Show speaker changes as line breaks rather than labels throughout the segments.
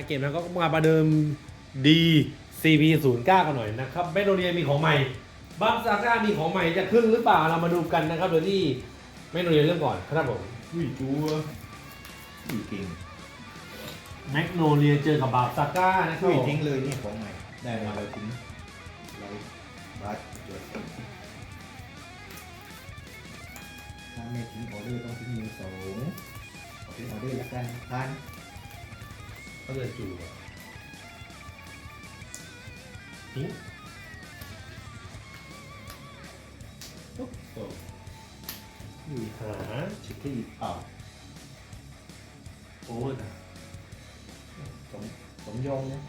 เกมนั้นก็มาประเดิม DCP09 กันหน่อยนะครับแมกโนเลียมีของใหม่บัฟซาก้ามีของใหม่จะขึ้นหรือเปล่าเรามาดูกันนะครับโดยที่แมกโนเลียเริ่มก่อนครับผม
อุ้ยจัวอุ้ยเก่ง
แมกโนเลียเจอกับบัฟซาก้านะครับ
อุ้ย
ผม
ทิ้งเลยเนี่ยของใหม่ได้มาเราทิ้งเราบัสจดถ้าไม่ทิ้งออเดอร์ต้องทิ้งมือสองขอทิ้งออเดอร์ละกันพัน
ก็เลยจูทิ้งปุ๊บโอ้
อุ้ย
หา
เช็คที่เปล่า
โอ้ย
สมสมยงนะ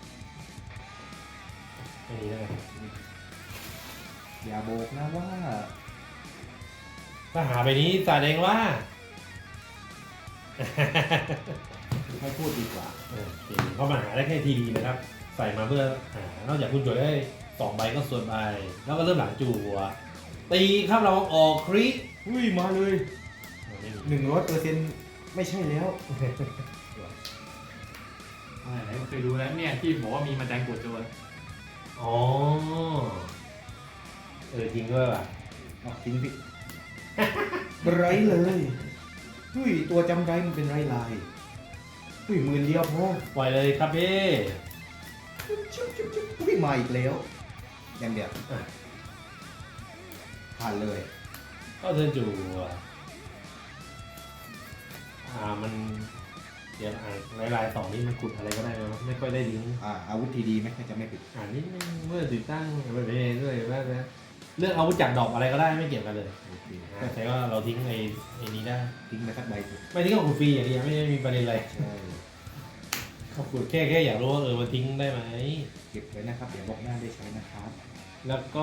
อันนี้นะครับ
อย่าบอกนะว่า
ถ้าหาไปนี้แสดงว่า
ไม่พูดดีกว่า
โอเคเพราะมันหาได้แค่ทีดีนะครับ ใส่มาเพื่อหานอกจากคุณจดได้2 ใบก็ส่วนใบ แล้วก็เริ่มหลังจั่วตีครับเราออกคริ
อุ้ยมาเลย100%ไม่ใช่แล้ว
ไหนๆเคยดูแล้วเนี่ยที่บอกว่ามีมาแจงกดโจร
อ๋อจริงด้วยว่ะ
เอาทิ้งพี่ ไรเลยอุ้ยตัวจำไรมันเป็นไรลายอุ้ยหมื่นเดียวพอ
ปล่อยเลยครับพี่
อุ้ยมาอีกแล้วอย่างเดียวผ่านเลย
ก็เทิร์นจั่วมันเดี๋ยวลายๆ2นี่มันขุดอะไรก็ได้ไหมวะไม่ค่อยได้ลิงก์
อาวุธทีดีไหมถ้าจะไม่ผิด
นิดนึงเมื่อติดตั้งไปด้วยว่านะเลือกอาวุธจากดอกอะไรก็ได้ไม่เกี่ยวกันเลย
โอเค
แต่ว่าเราทิ้งไอ้นี้ได้
ทิ้งไปสักใบสิ
ไม่ทิ้งกับคุณฟรีอย่างเดียวไม่ได้มีประเด็นอะไร
ใช่
ขอบคุณแค่อยากรู้ว่ามันทิ้งได้ไหม
เก็บไว้นะครับเดี๋ยวบอกหน้าได้ใช้นะครับ
แล้วก็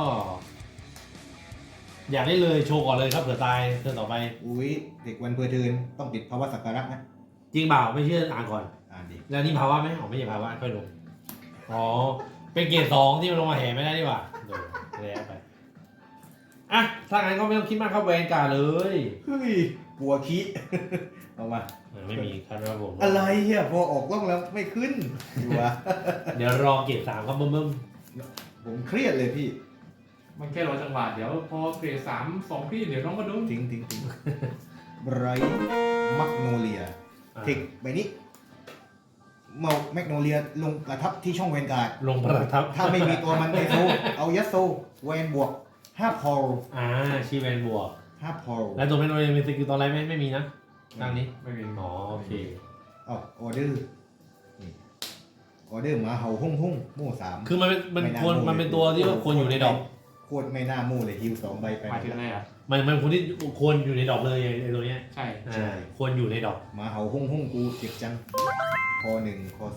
อยากได้เลยโชว์ก่อนเลยครับเผื่อตายเทิร์นต่อไป
อุ้ยเด็กวันเพอเทินต้องติดภาวะสักการะนะ
จริงเปล่าไม่เชื่ออ่านก่อน
ดิ
แล้วนี่ภาวะไหมอ๋อไม่ใช่ภาวะค่อยลงอ๋อเป็นเกรด2ที่มันลงมาแห่ไม่ได้ดีกว่าโดนแล้วไปอ่ะถ้างั้นก็ไม่ต้องคิดมากครับแวนการ์ดเลย
เฮ้ยปัวคิ เอามา
ไม่มีครับครับผม
อะไรอ่ะพอออกกล้องแล้วไม่ขึ้นอยู่วะ
เดี๋ยวรอเกรด3ครับเบิ่ม
ผมเครียดเลยพี่
มันแค่รอจังหวะเดี๋ยวพอเกรด3 2พี่เดี๋ยวน้องก็ดู
ทิ้งไบรท์มักโนเลีย
ๆ
เทคใบนี้เมาแมกโนเลียลงประทับที่ช่องแวนการ์ด
ลงประทับ
ถ้าไม่มีตัวมันในโซเอายัสโซแวนบวก5พอล
ชีแวนบวก
5พอล
แล้วตัวไม่โดนมีสกิลตอนไรไม่มีนะทางนี้
ไม่มี
อ๋อโอเค
ออเดอร์ออเดอร์หมาเห่าหุ่งโม่สาม
คือมันควรมันเป็นตัวที่ว่าควรอยู่ในดอก
โคตรไม่น่าโม่เลยฮิว2 ใบไป
หมายถึงอะไรอ่ะ
มันควรที่ควรอยู่ในดอกเลยไอ้ตัวเนี้ย
ใช่
ควรอยู่ในดอก
หมาเห่าหุ่งกูเจ็บจังคอ1คอ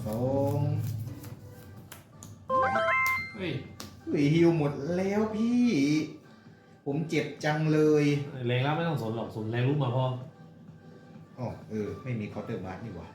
2
เฮ้ย
ฮิวหมดแล้วพี่ ผมเจ็บจังเลย
แรงแล้วไม่ต้องสนหรอกสนแรงรู้มาพอ
อ๋อไม่มีเคาน์เตอร์บาร์นี่หว่า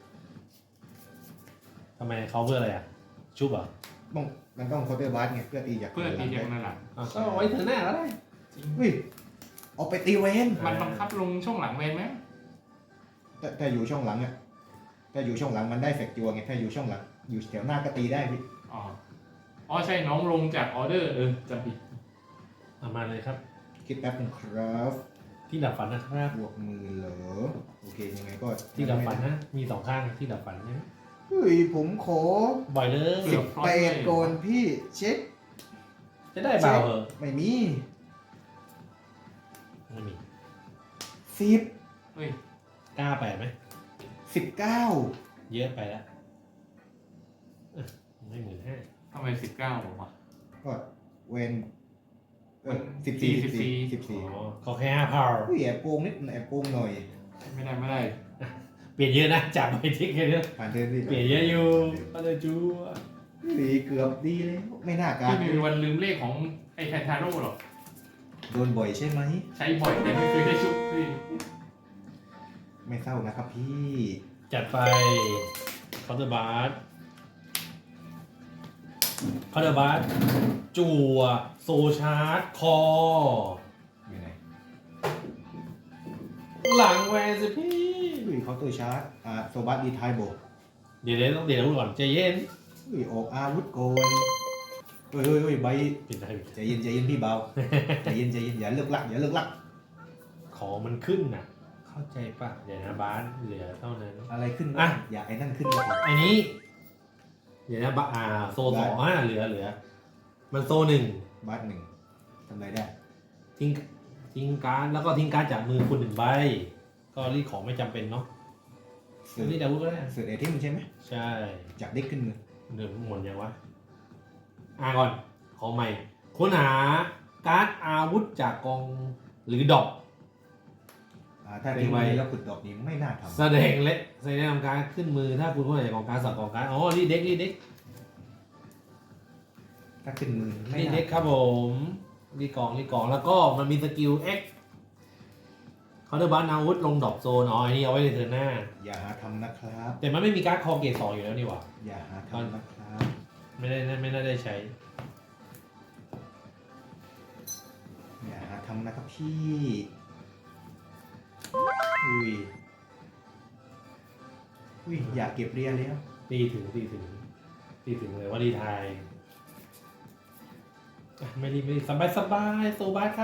ทำไมเขาเพื่ออะไรอ่ะชุบเหรอ่ะ
มันต้องเคาน์เตอร์บาร์ไงเพื่อตีจาก
เพื่อตีเดียวนั่นแหละ
ก็ไว้ถึงหน้าก็ได้
จริง
เฮ้ยเอาไปตีเวน
มันบังคับลงช่องหลังเวนไหม
แต่อยู่ช่องหลังอ่ะถ้าอยู่ช่องหลังมันได้แฟกจัวไงถ้าอยู่ช่องหลังอยู่แถวหน้าก็ตีได้พี่
อ๋อใช่น้องลงจากออเดอร์จำผิด
เอามาเลยครับ
คิดแป๊บนึงครับ
ที่ดับฝันนะครับ
บวกมือเหรอโอเคยังไงก็
ที่ดับฝันนะมี2 ข้างที่ดับฝันนะ
เฮ้ยผมขอ
บ่อยเลย
18ก่อนพี่เช็ค
จะได้เปล่าเหรอ
ไม่มี
ไม่มี
10
เฮ้ย
กล้าไปไหม
19
เยอะไปแล้วไม่15,000
ทำไม19บอกว่า
ก็เวน14
อ๋อเขาแค่5 power
อุ้ยแอบโกงนิดแอบโกงหน่อย
ไม่ได้
เปลี่ยนเยอะนะจากไปทิกแค่นี้
ผ่านเทิร์นพี่
เปลี่ยนเยอะอยู่ก็เลยจู
เกือบดีแล้วไม่น่าการ
พี่ไม่มีวันลืมเลขของไอ้แทนทาโร่หรอก
โดนบ่อยใช่ไหม
ใช้บ่อยแต่ไม่เคยได้ชุบพี่
ไม่เศร้านะครับพี่
จัดไปคาน์เตอร์บาร์จั่วโซชาร์จคอ
อยู่ไหน
หลังแวนสิพี่
อุ้ยเคาน์เตอร์ชาร์จโซบัสดีไทโบ
เดี๋ยวต้องเดี๋ยวพูดก่อนใจเย็น
อุ้ยออกอาวุธโกนเฮ้ยใบ
ปิดได้
ใจเย็นพี่เบาใจเย็นอย่าเลิกลัก
ของมันขึ้นน่ะ เข้าใจป่ะเดี๋ยวนะบ้านเหลือเท่านั้น
อะไรขึ้น
อ่ะ
อย่าไอ้นั่นขึ้นเลย
อันนี้ เดี๋ยวนะโซสองเหลือ มันโซหนึ่ง
บาสหนึ่งทำไรได้
ทิ้งการ์ดแล้วก็ทิ้งการ์ดจากมือคุณหนึ่งใบ ก็รีดของไม่จำเป็นเนาะ
เสือ
นี่ดาวุธก็ได้
เสือไอเทมใช่ไหม
ใช่
จากเด็กขึ้นมือ
เดี๋ยวหมดยังวะก่อนของใหม่ค้นหาการ์ดอาวุธจากกองหรือดอก
ถ้าทิ้งไว้แล้วขุดดอกนี้ไม่น่าท
แสดงนำการขึ้นมือถ้าคุณค้นหาจากกองการ์ดสับกองการ์ดอ๋อรีดเด็ก
ำถ้าขึ้นมือไม่
รีด
น่า
เด็กครับผมรีดกองแล้วก็มันมีสกิล X เขาเดินบ้านอาวุธลงดอกโซนอ๋ออันนี้เอาไว้ในเทิร์นหน้า
อย่าหาทำนะครับ
แต่มันไม่มีการ์ดคอเกตสองอยู่แล้วนี่หว่า
อย่าหาทำนะครับ
ไม่น่าได้ใช้
อย่าหาทำนะครับพี่อุ้ยอยากเก็บเรียนแล้ว
ตีถึงเลยว่ารีไทายไม่รีสบายโซบาสครับ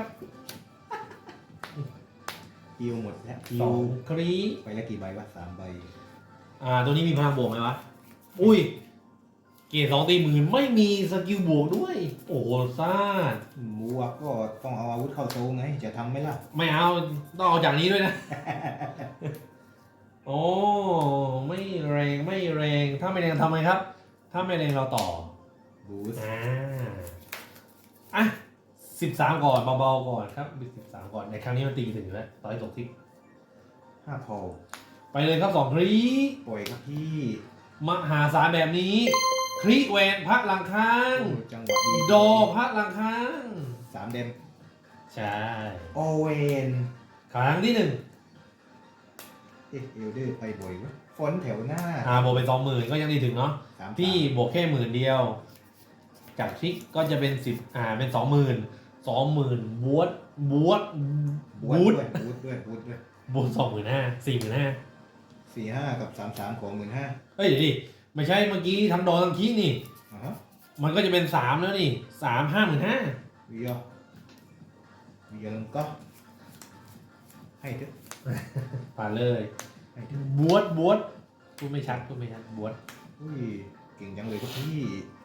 ฮิวหมดแล้ว
สองครี
ไปแล้วกี่ใบวะ3 ใบ
ตัวนี้มีพลังบวกไหมวะ อุ้ย เกรด2ตีหมื่นไม่มีสกิลบวกด้วย โอ้โหซ่าด
บัวก็ต้องเอาอาวุธเข้าโซไงจะทำไหมล่ะ
ไม่เอาต้องเอาจากนี้ด้วยนะ โอ้ไม่แรงถ้าไม่แรงทำไงครับ ถ้าไม่แรงเราต่อ
บูส
อ่ะ13 ก่อนเบาๆก่อนครับ13 ก่อนในครั้งนี้มันตีถึงแล้วต่อให้ตกทิก
5 พอ
ไปเลยครับ2ครี
ปล่อยครับพี่
มหาศาลแบบนี้ ครีแวนพักหลังค้าง
จังหวะดี
โดพักหลังค้าง
3 เดม
ใช่
โอเวน
ครั้งที่ 1
เอลเดอร์ไปบ่อยวะฟอนต์แถวหน้า
บวกเป็น 20,000 ก็ยังดีถึงเนาะ
3
พี่บวกแค่10,000 เดียว จากทริกก็จะเป็น10เป็น 20,000 บวช
บูทด้วย
บวก 25,000 45,000
4-5 กับ 3-3 ของ 15,000
เฮ้ยเดี๋ยวดิไม่ใช่เมื่อกี้ทั้งดอทั้งคีนี่
อ่ะฮะ
มันก็จะเป็น3แล้วนี่55,000
วิยลังก็ให้เถอะ
ผ่านเลย
ให้เถอะ
บวชพูดไม่ชัดบวช
อุ้ยเก่งจังเลยครับพี่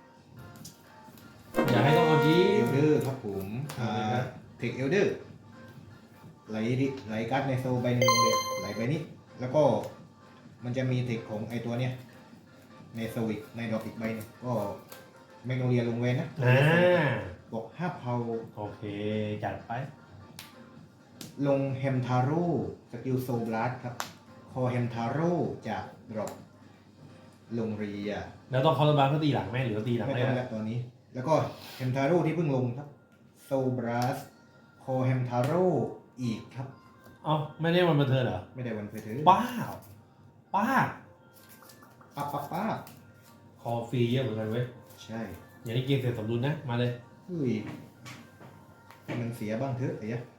อย่าให้ต้องเอาจี
เอลเดอร์ครับผม
เอาเลยครับ
เทคเอลเดอร์ไหลการ์ดในโซใบหนึงเลยไหลไปนี้แล้วก็มันจะมีเทคของไอตัวเนี้ยในโซอีกในดอกอีกใบหนึงก็แมกโนเลียลงเวนนะบอก5 เผา
โอเคจัดไป
ลงแฮมทาโร่สกิลโซบลัสครับ คอแฮมทาโร่จากดรอปลงเรีย
แล้วต้องเคาน์เตอร์บาร์เพื่อตีหลังไหมหรือตีหลัง
ไม่
ไม่
ต้อง
ได้
แล้วตอนนี้ แล้วก็แฮมทาโร่ที่เพิ่งลงครับโซบลัสคอแฮมทาโร่อีกครับ
เอ้าไม่ได้วันบันเทิงเหรอ
ไม่ได้วันเพเทอร์
ป้า
ป้า
คอฟรีเยอะเหมือนกันเว้ย
ใช่
อย่างนี้เกมเสร็จสมดุลนะมาเลย
อุ้ยให้มันเสียบ้างเถอะไอ้ยะ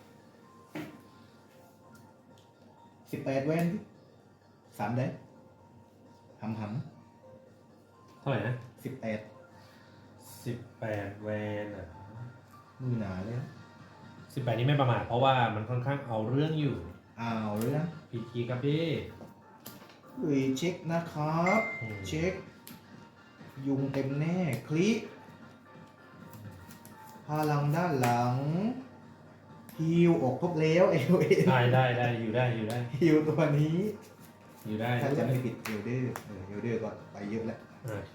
18 แวน3 ได้หำ
เท่าไหร่นะ
18
18 แวนอ่ะ
มือหนาเลยนะ
18นี่ไม่ประมาทเพราะว่ามันค่อนข้างเอาเรื่องอยู่
อ้าวเรื่อง
พีคีครับพี่
อุ้ยเช็คนะครับ เช็ค ยุงเต็มแน่คลิกพลังด้านหลังฮิวออกครบแล้วเอลเอ
ได้อยู่ได้
ฮิวตัวนี้
อยู่ได้
ถ้าจะไม่ผิดเอลเดอร์เอลเดอร์ก็ไปเยอะแล้ว
โอเค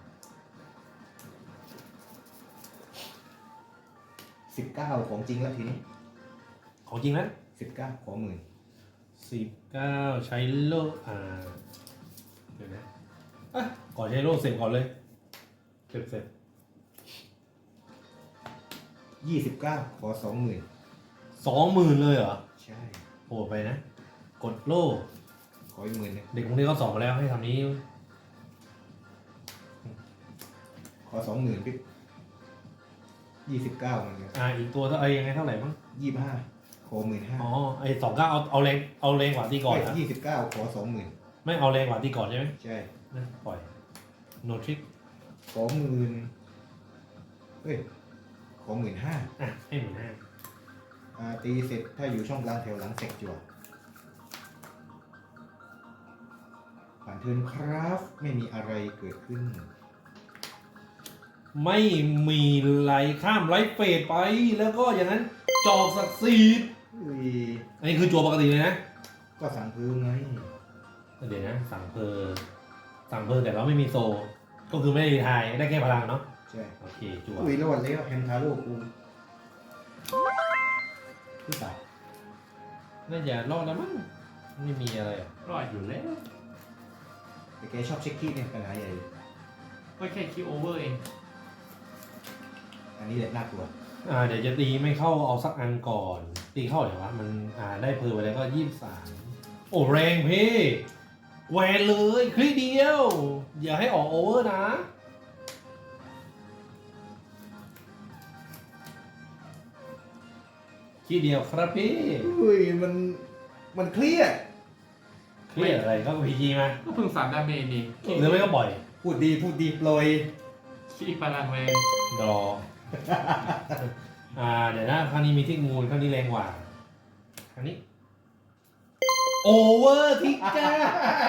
19 ของจริงแล้วทีนี้
ของจริงนะ
19 ของหมื่น
19 ใช้โล่เดี๋ยวนะก่อนใช้โล่เสร็จก่อนเลยเสร็จ
29 ขอ 20,000
20,000 เลยเหรอ
ใช่
โหดไปนะ กดโล่
ขออีก10,000นึง
เด็กคนนี้เขาสอนมาแล้วให้ทำนี้
ขอ 20,000พี่29มันเนี่ย
อีกตัวเท่ายังไงเท่าไหร่มั้ง
25 ขอ 15,000
อ๋อไอ้29เอาแรงกว่าตีก่อนนะ
29 ขอ 20,000
ไม่เอาแรงกว่าตีก่อนใช่ไหม
ใช่
นะปล่อยโนทริก
ขอหมื่นเฮ้ยขอ15,000
อ่ะให้15,000
ตีเสร็จถ้าอยู่ช่องกลางแถวหลังเสกจั่วผ่านเทิร์นครับ ไม่มีอะไรเกิดขึ้น
ไม่มีไหลข้ามไลฟ์เฟดไปแล้วก็อย่างนั้นจอกศักดิ์สิทธิ์
อุ้ย
อันนี้คือจัวปกติเลยนะ
ก็สั่งพื้นไง
เดี๋ยวนะสั่งเพอแต่เราไม่มีโซ ก็คือไม่ได้ทายได้แค่พลังเนาะ
ใช่
โอเคจัว
อุ้ยรอดแล้วแฮมทาโร่กูผู้สาว
น่าจะรอดแล้วมั้งไม่มีอะไรอ่ะ
รอดอยู่แล้ว
แต่แกชอบเช็คคีย์เนี่ยปัญหาใหญ่เลย
ก็แค่คิวโอเวอร์เอง
อันนี้แหละน่ากลัว
เดี๋ยวจะตีไม่เข้าเอาสักอันก่อน ตีเข้าไหนวะมันได้เพอไปแล้วก็23โอ้แรงพี่แหวนเลยคลิกเดียว อย่าให้ออกโอเวอร์นะคลิกเดียวครับพี่
อุ้ยมันเครียด
เครียดอะไรก็พีจีมา
ก็เพิ่ง3 ดาเมจนี่
หรือไม่ก็ปล่อย
พูดดีปล่อย
ขี้พลังแรง
ดรอ เดี๋ยวนะครั้งนี้มีทิกมูลครั้งนี้แรงกว่าครั้งนี้โอเวอร์ทิกเกอร์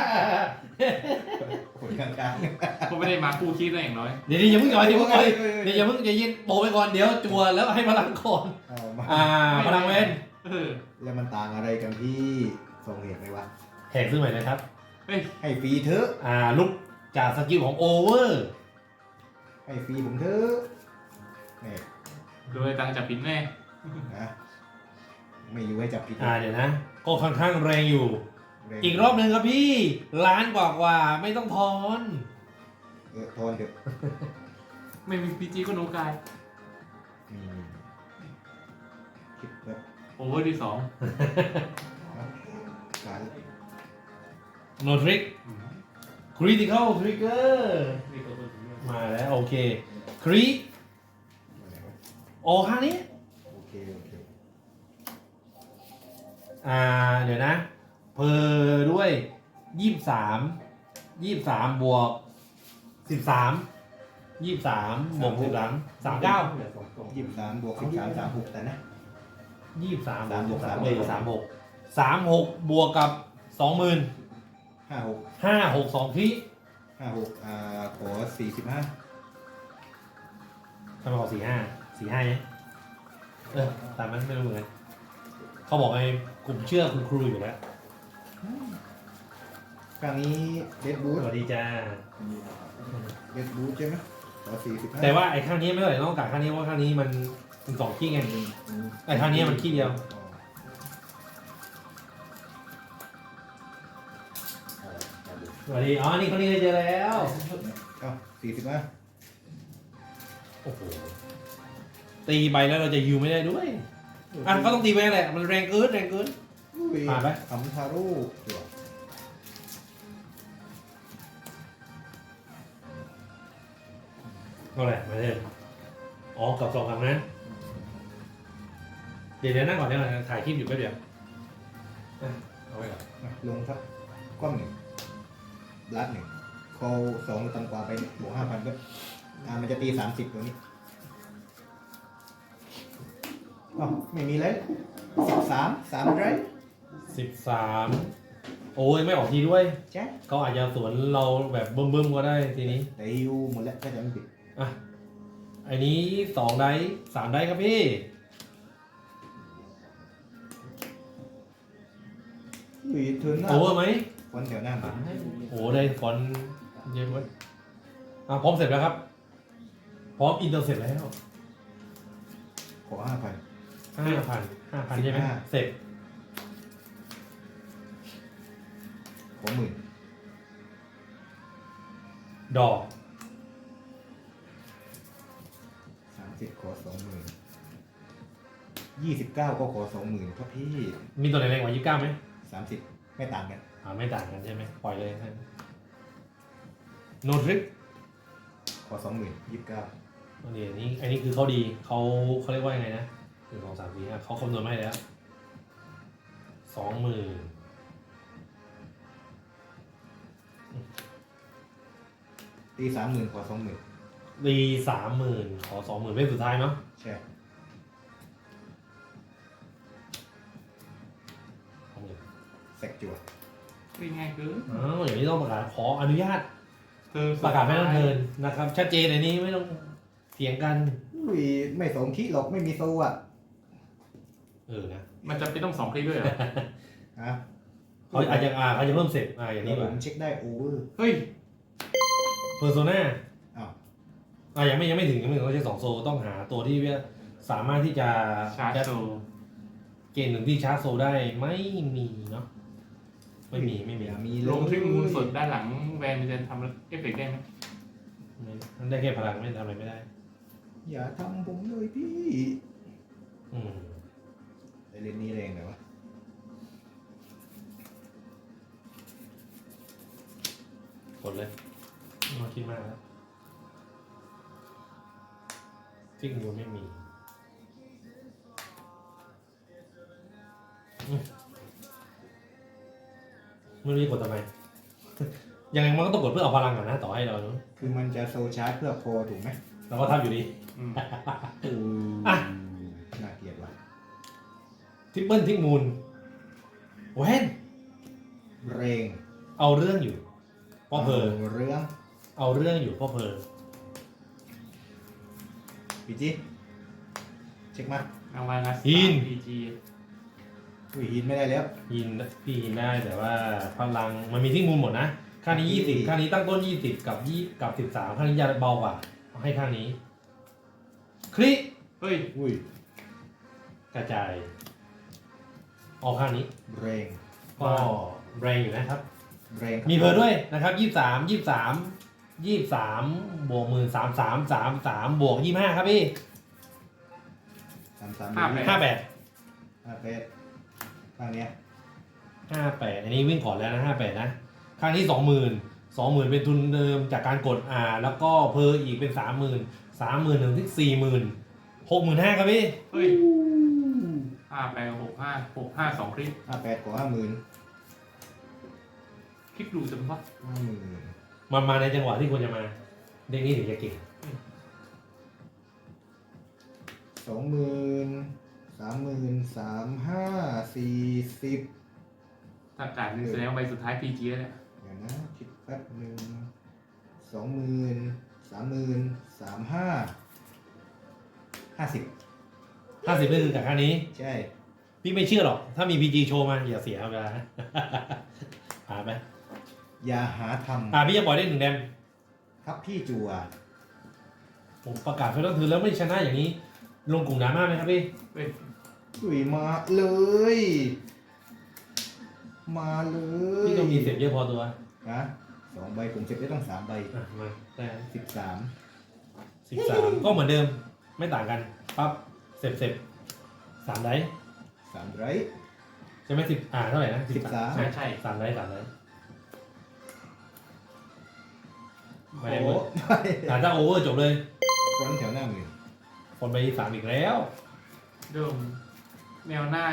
คนกลาง
ก็ไม่ได้มาคู่คิดอะไรอย่างน้อย
เดี๋ยวอย่าเพิ่งหย่อยเดี๋ยวเพิ่งหย่อยเดี๋ยวอย่าเพิ่งอย่ายินโบไปก่อนเดี๋ยวจัวแล้วให้พลังก่อน
ๆเอามา
พลังเวน
เออ
แล้วมันต่างอะไรกันที่ส่งเหตุไหมวะ
แหกซื้อใหม่นะครับ
เฮ้ย
ให้ฟรีเถอะ
ลุกจากสกิลของโอเวอร์
ให้ฟรีผมเถอะนี่
โดยตังจับปินแน่
นะไม่อยู่ให้จับผิด
เดี๋ยวนะ ก็ค่อนข้างแรงอยู่
แรง
อีกรอบหนึ่งครับพี่ล้านกว่าไม่ต้องทอน
ทอนเถอะ
ไม่มีพีจีก็โนกาย
มีคิดแบบ
โอเวอร์ที่
การ
โนทริกคริติคอลทริกเกอร์
2นี่ตัวถึง
มาแล้วโอเคคริโอข้างนี้
โอเค
เดี๋ยวนะเพอด้วย23บวก13 23บวก13 39
23 บวก 13 36แต่นะ
23
3บวก3
36บวกกับ 20,000
56
562ที่
56ขอ45
ทำไมขอ45เนี่ยตามนั้นไม่รู้เหมือนกันเขาบอกไอ้กลุ่มเชื่อคุณครูอยู่แล้ว
ครั้งนี้เดดบู
ส
ท
วัสดีจ้า
เดดบูทใช่ไหมขอ45
แต่ว่าไอ้ข้างนี้ไม่เท่าไหร่ต้องการข้างนี้เพราะข้างนี้มันเป็น2ขี้ไงไอ้ข้างนี้มันขี้เดียวสวัสดีนี่ข้างนี้ได้เจอแล้ว
เอ้า45
โอ้โหตีไปแล้วเราจะยูไม่ได้ด้วยก็ต้องตีไปแหละมันแรงเกินผ่านไหม
คำทาโร่จั่ว
ก็แหละมาเลยกับ2ครั้งนั้นเดี๋ยวนั่งก่อนเดี๋ยวถ่ายคลิปอยู่แป๊บเดียวเอาไว้ก่อน
ลงครับก้อนหนึ่งบลัดหนึ่งโค2ต่ำกว่าไปบวก 5,000 ก็มันจะตี 30 ตัวนี้อ๋อไม่มีเลย13 ไร
13โอ้ยไม่ออกทีด้วย
แจ๊ะ
เขาอาจจะสวนเราแบบบึ้มๆก็ได้ทีนี้
แต่ยูหมดแล้วถ้าจะไม่ผิด
อันนี้2ไดส์3ไดส์ครับพี่
อุ้ยเทิร์นหน้า
โอเวอร์ไหม
วันแถวหน้ามา
โอ้ได้ฟอนต์เยอะเว้ยพร้อมเสร็จแล้วครับ พร้อมอินเตอร์เสร็จแล้ว
ขอ 5,000
5,000ใช่ไหม
15
เสร็จ
ขอ 10,000
ดอก
30ขอ 20,000 29ก็ขอ 20,000ครับพี่
มีตัวไหนแรงกว่า29ไหม
30ไม่ต่างกัน
ไม่ต่างกันใช่ไหมปล่อยเลยโนทริก
ขอ 20,000 29
อันนี้คือเขาดีเขาเรียกว่ายังไงนะ1 2 3 4 5เขาคำนวณมาให้แล้ว 20,000
ตี30,000ขอ20,000
ตี30,000ขอ20,000เป็นสุดท้ายเนาะ
ใช่
20,000
แซกจั่ว
เป็นไงคือ
อ้าวอย่างนี้ต้องประกาศขออนุญาต
เธอ
ประกาศไม่ต้องเทิร์นนะครับ ชัดเจนอันนี้ไม่ต้องเถียงกัน
อุ้ยไม่สมคิดหรอกไม่มีโซอ่ะ
นะ
มันจะเป็นต้อง2 คลิกด้วยเหรอ
ฮะ
เขาอาจจะเขาจะเพิ่มเสร็จอย่าง
นี่
นี้
ผ
ก่อน
มเช็คได้โอเวอร์
เฮ้ย
เพอร์โซนา
อ้าว
ยังไม่ถึงเขาใช้2โซต้องหาตัวที่สามารถที่จะ
ชาร์จโซ
เกณฑ์หนึ่งที่ชาร์จโซได้ไม่มีเนาะไม่มี
อย่ามี
ลงที่มูลสดด้านหลังแวนมันจะทำเอฟเฟกต์ได้ไหม
มันได้แค่พลังไม่ทำอะไรไม่ได้
อย่าทำผมเลยพี่
อืม
ไอเลนนี้แรงเลยวะ
กดเลยไม่ต้องคิดมากแล้วซิกนิวไม่มีไม่รู้จะกดทำไม ยังไงมันก็ต้องกดเพื่อเอาพลังก่อนนะต่อให้เราเนอะ
คือมันจะโซชาร์จเพื่อโคถูกไหม
เราก็ทำอยู่ดี
อืม
อ่ะ
น่าเกลียดว่ะ
ทริปเปิลทิกมูลแวน
แรง
เอาเรื่องอยู่พ่อเพอ
เรื่อง
เอาเรื่องอยู่พ่อเพอ
พี่จีเช็คมา
รางวัลละ PG
อุ้ยหินไม่ได้แล้ว
ยินพี่ยินได้แต่ว่าพลังมันมีทิกมูลหมดนะข้างนี้20ข้างนี้ตั้งต้น20กับ13ข้างนี้จะเบากว่าเอาให้ข้างนี้คลิก
เฮ้ย
อุ้ย
กระจายออกข้างนี้
แรง
ก็แรงอยู่นะครับ
แรงครับ
มีเพอด้วยนะครับ23บวก13,33 บวก25ครับพี่
33
58
58ข้างเนี้ย
58อันนี้วิ่งก่อนแล้วนะ58นะข้างนี้20,000เป็นทุนเดิมจากการกดแล้วก็เพออีกเป็น30,000ถึงที่40,000 65,000ครับพี่
เฮ้ย65 2 คลิก
58กว่า50,000
คลิกดูจังวะ
50,000
มันมาในจังหวะที่ควรจะมาเด็กนี้ถึงจะเก่ง
20,000 30,000 35,000 40
ถ้าจ่ายแสดงว่าใบสุดท้าย PG แล้วเนี่ย
เดี๋ยวนะคิดแป๊บหนึ่ง20,000 30,000 35 50
50นี่คือจากข้างนี้
ใช่
พี่ไม่เชื่อหรอก ถ้ามี PG โชว์มาอย่าเสียเวลา ผ่านไป
อย่าหาท
พี่จะปล่อยได้1แดม
ำครับพี่จัว
ผมประกาศไฟต้องถือแล้วไม่ชนะอย่างนี้ ลงกลุ่มดราม่าไหมครับพี่
เฮ้ย
อุ้ยมาเลย มาเลย
พี่ต้องมีเสียบเยอะพอตัว
นะ2 ใบผมเสร็จได้ต้อง3 ใบ
มาแต่
13
13 ก็เหมือนเดิมไม่ต่างกันปั๊บเสร็จ3ไดส์
3ไร
ใช่ไหมเท่าไหร่นะ
13
ใช่ใช่
3ไดส์ไม่
โอ้
ได้ถ้าโอเวอร์จบเลย
ฟรอนต์แถวหน้ามือ
คนไป3อีกแล้ว
เดิมแนวหน้า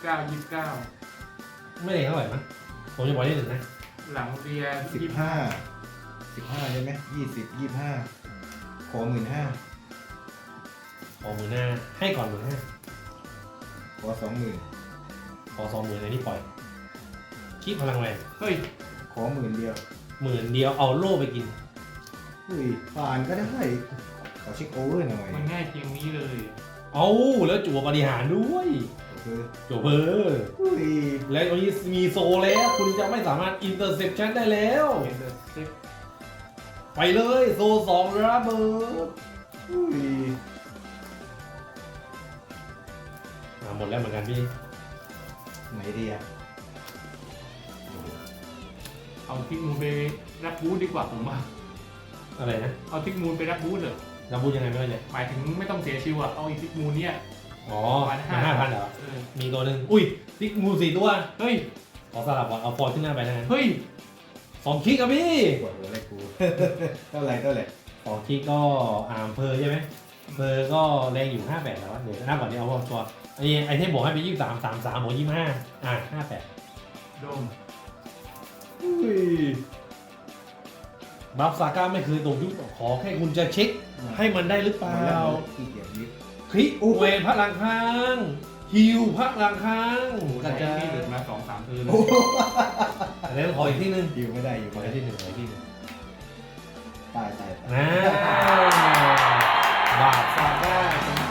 29
ไม่ได้เท่าไหร่มั้งผมจะปล่อยได้1นะ
หลังเรีย
15ใช่ไหม20 25ขอ15,000
ขอ15,000ให้ก่อน15,000
ขอ20,000
ขอ20,000ในนี้ปล่อยคิดพลังแรง
เฮ้ย
ขอ10,000เดียว
10,000เดียวเอาโล่ไปกิน
อุ้ยผ่านก็ได้ขอเช็คโอเวอร์หน่อย
มันง่ายเพียงนี้เลย
เอาแล้วจั่วบริหารด้วย
ก็คือ
จั่วเพอ
อุ้ย
และตอนนี้มีโซแล้ว คุณจะไม่สามารถอินเตอร์เซปชันได้แล้ว
เห็นเลยเซ็ก
ไปเลยโซ2ระเบิด
อุ้ย
หมดแล้วเหมือนกันพี่
ไหนดีอ่ะ
เอาทิกมูลไปรับบูธดีกว่าผมว่า
อะไรนะ
เอาทิกมูลไปรับบูธเลย
เราพูดยังไงไม่ได้เลย
หมายถึงไม่ต้องเสียชิวอะเอาอีกทิกมูลเนี่ย
อ๋อ
ประมาณ
มา 5,000เหรอ
เออ
มีตัวหนึ่งอุ้ยติ๊กมู4ตัว
เฮ้ย
ขอสลับก่อนเอาฟอร์ขึ้นหน้าไปนะ
เฮ้ย
2 คลิกครับพี่
ปวดหัวอะไรกู เท่าไหร่
2 คลิกก็เพอใช่ไหมเพอก็แรงอยู่58แล้วเดี๋ยวหน้าก่อนเดี๋ยวเอาตัวอันนี้ไอเทมบวกให้ไป23 33บวก2558
โดม
อุ้ย
บัฟซาก้าไม่เคยตกยุคขอแค่คุณจะเช็คให้มันได้หรือเป
หม
ล่า
ดแล้วขี้เกียจยิบ
คลิกเวนพลังค้างฮิวพลังค้าง
ก
ก
ระ
ระ
จา
จาย ย
ที่หลุดมา2-3คืน
อันนี้ขออีกที่หนึง
ยิวไม่ได้อยู่
ขอ
ไม่
อี
ได้
กที่หนึ่งขออีกที่หนึ่ง
ตาย
นะบาปซาก้า